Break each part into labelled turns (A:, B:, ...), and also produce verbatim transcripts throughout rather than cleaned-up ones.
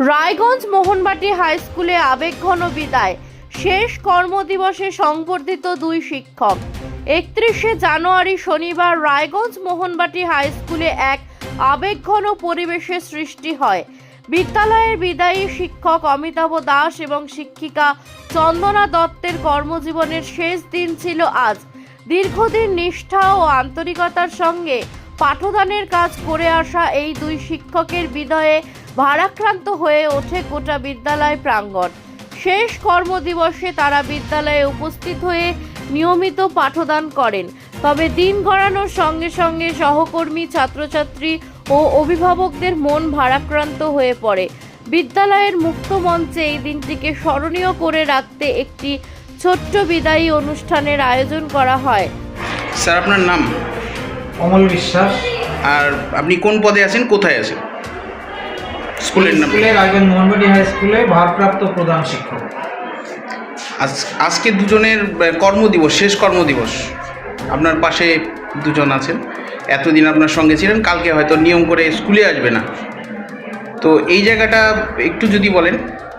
A: Raiganj Mohanbati high স্কুলে আবেগঘন বিদায়। শেষ কর্মদিবসে সংবর্ধিত দুই শিক্ষক। একত্রিশে জানুয়ারি শনিবার রায়গঞ্জ মোহনবাটি হাই স্কুলে এক আবেগঘন পরিবেশের সৃষ্টি হয়। বিদ্যালয়ের বিদায়ী শিক্ষক অমিতাভ দাস এবং শিক্ষিকা চন্দনা দত্তের কর্মজীবনের শেষ দিন ছিল আজ। দীর্ঘদিন নিষ্ঠা ও আন্তরিকতার সঙ্গে পাঠদানের কাজ করে আসা এই দুই শিক্ষকের বিদায়ে ভারাক্রান্ত হয়ে ওঠে গোটা বিদ্যালয় প্রাঙ্গণ। শেষ কর্মদিবসে তারা বিদ্যালয়ে উপস্থিত হয়ে নিয়মিত পাঠদান করেন। তবে দিন গড়ানোর সঙ্গে সঙ্গে সহকর্মী, ছাত্রছাত্রী ও অভিভাবকদের মন ভারাক্রান্ত হয়ে পড়ে। বিদ্যালয়ের মুক্ত মঞ্চে এই দিনটিকে স্মরণীয় করে রাখতে একটি ছোট্ট বিদায়ী অনুষ্ঠানের আয়োজন করা হয়।
B: স্যার, আপনার নাম?
C: অমল বিশ্বাস।
B: আর আপনি কোন পদে আছেন, কোথায় আছেন? স্কুলের নাম?
C: স্কুলের রায়গঞ্জ মোহনবাটি হাই স্কুলে ভারপ্রাপ্ত প্রধান শিক্ষক।
B: আজ আজকে দুজনের কর্মদিবস, শেষ কর্মদিবস। আপনার পাশে দুজন আছেন, এতদিন আপনার সঙ্গে ছিলেন, কালকে হয়তো নিয়ম করে স্কুলে আসবে না, তো এই জায়গাটা একটু যদি বলেন।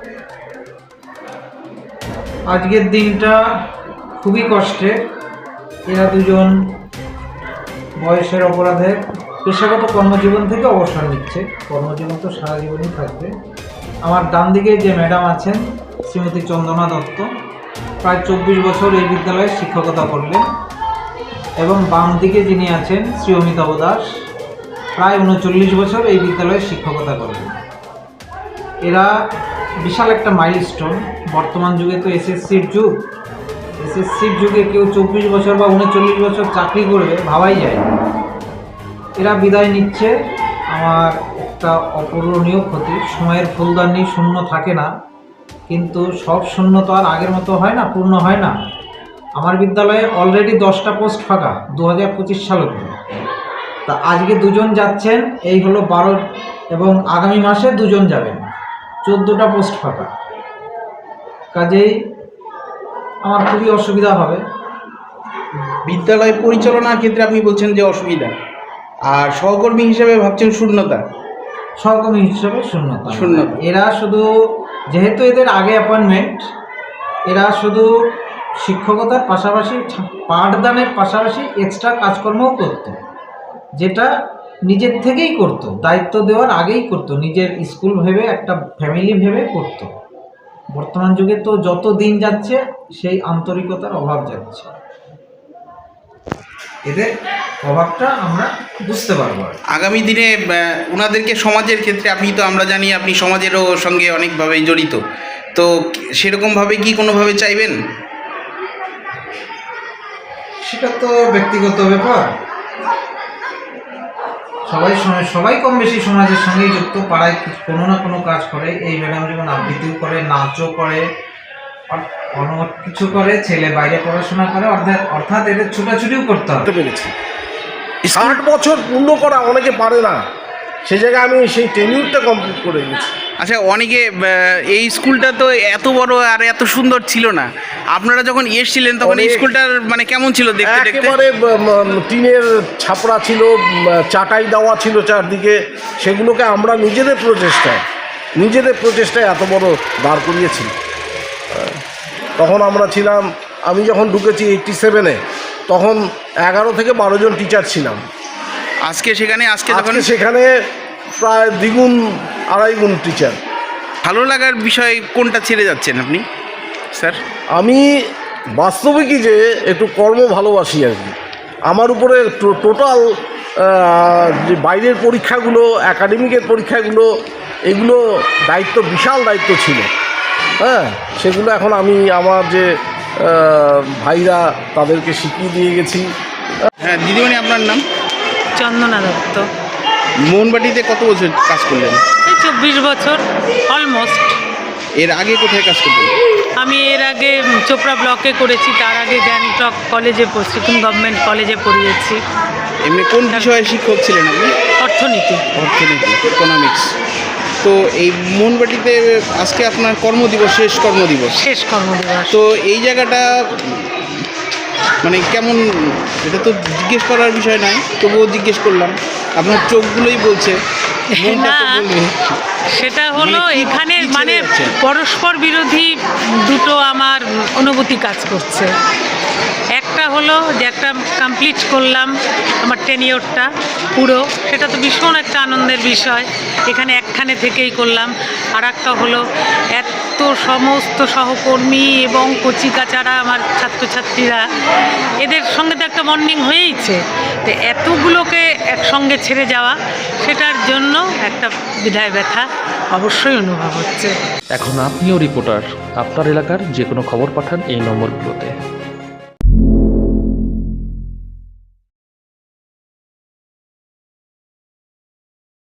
C: আজকের দিনটা খুবই কষ্টের। এরা দুজন বয়সের অপরাধে পেশাগত কর্মজীবন থেকে অবসর নিচ্ছে। কর্মজীবন তো সারা জীবনই থাকবে। আমার ডান দিকে যে ম্যাডাম আছেন শ্রীমতী চন্দনা দত্ত, প্রায় চব্বিশ বছর এই বিদ্যালয়ে শিক্ষকতা করলেন, এবং বাম দিকে যিনি আছেন শ্রী অমিতাভ দাস, প্রায় উনচল্লিশ বছর এই বিদ্যালয়ে শিক্ষকতা করলেন। এরা বিশাল একটা মাইলস্টোন। বর্তমান যুগে তো এসএসসির যুগ। এসএসসির যুগে কেউ চব্বিশ বছর বা উনচল্লিশ বছর চাকরি করবে ভাবাই যায়। এরা বিদায় নিচ্ছে। আমার একটা অপূরণীয় ক্ষতি। সময়ের ফুলদানি শূন্য থাকে না, কিন্তু সব শূন্য তো আর আগের মতো হয় না, পূর্ণ হয় না। আমার বিদ্যালয়ে অলরেডি দশটা পোস্ট ফাঁকা দু হাজার পঁচিশ সাল অবধি। তা আজকে দুজন যাচ্ছেন, এই হলো বারো, এবং আগামী মাসে দুজন যাবেন, চোদ্দোটা পোস্ট ফাঁকা। কাজেই আমার খুবই অসুবিধা হবে।
B: বিদ্যালয় পরিচালনার ক্ষেত্রে আপনি বলছেন যে অসুবিধা, আর সহকর্মী হিসেবে ভাবছেন শূন্যতা।
C: সহকর্মী হিসেবে শূন্যতা
B: শূন্যতা
C: এরা শুধু, যেহেতু এদের আগে অ্যাপয়েন্টমেন্ট, এরা শুধু শিক্ষকতার পাশাপাশি, পাঠদানের পাশাপাশি এক্সট্রা কাজকর্মও করত, যেটা নিজের থেকেই করত, দায়িত্ব দেওয়ার আগেই করত, নিজের স্কুল ভেবে, একটা ফ্যামিলি ভেবে করত। বর্তমান যুগে তো যত দিন যাচ্ছে সেই আন্তরিকতার অভাব যাচ্ছে। এদের অভাবটা আমরা বুঝতে পারবো।
B: আগামী দিনে ওনাদেরকে সমাজের ক্ষেত্রে, আপনি তো, আমরা জানি আপনি সমাজেরও সঙ্গে অনেকভাবেই জড়িত, তো সেরকমভাবে কি কোনোভাবে চাইবেন?
C: সেটা তো ব্যক্তিগত ব্যাপার। সবাই সবাই কম বেশি সমাজের সঙ্গেই যুক্ত, পাড়ায় কোনো না কোনো কাজ করে। এই ম্যাডাম যেমন আবৃত্তিও করে, নাচও করে, অনেক কিছু করে, ছেলে বাইরে পড়াশোনা করে, অর্থাৎ অর্থাৎ এদের ছোটাছুটিও করতে হবে।
D: পেরেছি ষাট বছর পূর্ণ করা অনেকে পারে না, সে জায়গায় আমি সেই টেনিউরটা কমপ্লিট করে গেছি।
B: আচ্ছা, অনেকে এই স্কুলটা তো এত বড় আর এত সুন্দর ছিল না। আপনারা যখন এসেছিলেন তখন এই স্কুলটার মানে কেমন ছিল দেখতে? দেখতে
D: একেবারে টিনের ছাপড়া ছিল, চাটাই দেওয়া ছিল চারদিকে। সেগুলোকে আমরা নিজেদের প্রচেষ্টায় নিজেদের প্রচেষ্টায় এত বড় দাঁড় করিয়েছি। তখন আমরা ছিলাম, আমি যখন ঢুকেছি এইটটি সেভেনে, তখন এগারো থেকে বারো জন টিচার ছিলাম।
B: আজকে সেখানে আজকে
D: তখন সেখানে প্রায় দ্বিগুণ, আড়াই গুণ টিচার।
B: ভালো লাগার বিষয় কোনটা ছেড়ে যাচ্ছেন আপনি স্যার?
D: আমি বাস্তবিকই যে একটু কর্ম ভালোবাসি আর কি। আমার উপরে টোটাল যে বাইরের পরীক্ষাগুলো, একাডেমিকের পরীক্ষাগুলো, এগুলো দায়িত্ব, বিশাল দায়িত্ব ছিল। হ্যাঁ, সেগুলো এখন আমি আমার যে ভাইরা, তাদেরকে শিখিয়ে দিয়ে গেছি।
B: হ্যাঁ দিদিমণি, আপনার নাম?
E: চন্দনা দত্ত।
B: মোহনবাটিতে কত বছর কাজ করলেন?
E: এই চব্বিশ বছর অলমোস্ট।
B: এর আগে কোথায় কাজ করতেন?
E: আমি এর আগে চোপড়া ব্লকে করেছি, তার আগে গ্যাংটক কলেজে, সিকিম গভর্নমেন্ট কলেজে পড়িয়েছি।
B: এমনি কোন বিষয়ে শিক্ষক ছিলেন আপনি?
E: অর্থনীতি।
B: অর্থনীতি, ইকোনমিক্স। তো এই মোহনবাটিতে আজকে আপনার কর্মদিবস, শেষ কর্মদিবস।
E: শেষ কর্মদিবস।
B: তো এই জায়গাটা মানে কেমন, এটা তো জিজ্ঞেস করার বিষয় নয়, তবুও জিজ্ঞেস করলাম। আপনার চোখগুলোই বলছে, মনটা তো
E: না,
B: বলবে।
E: সেটা হলো
B: মানে কি-
E: এখানে
B: কি ছেড়ে
E: মানে
B: যাচ্ছেন?
E: পরস্পর বিরোধী দুটো আমার অনুভূতি কাজ করছে। একটা হলো যে একটা কমপ্লিট করলাম আমার টেনিওরটা পুরো, সেটা তো ভীষণ একটা আনন্দের বিষয়, এখানে একখানে থেকেই করলাম। আর একটা হলো এত সমস্ত সহকর্মী এবং কচিকাচারা আমার ছাত্রছাত্রীরা, এদের সঙ্গে তো একটা বন্ডিং হয়েইছে, তো এতগুলোকে একসঙ্গে ছেড়ে যাওয়া, সেটার জন্য একটা বিদায় ব্যথা অবশ্যই অনুভব হচ্ছে।
F: এখন আপনিও রিপোর্টার, আপনার এলাকার যে কোনো খবর পাঠান এই নম্বরগুলোতে।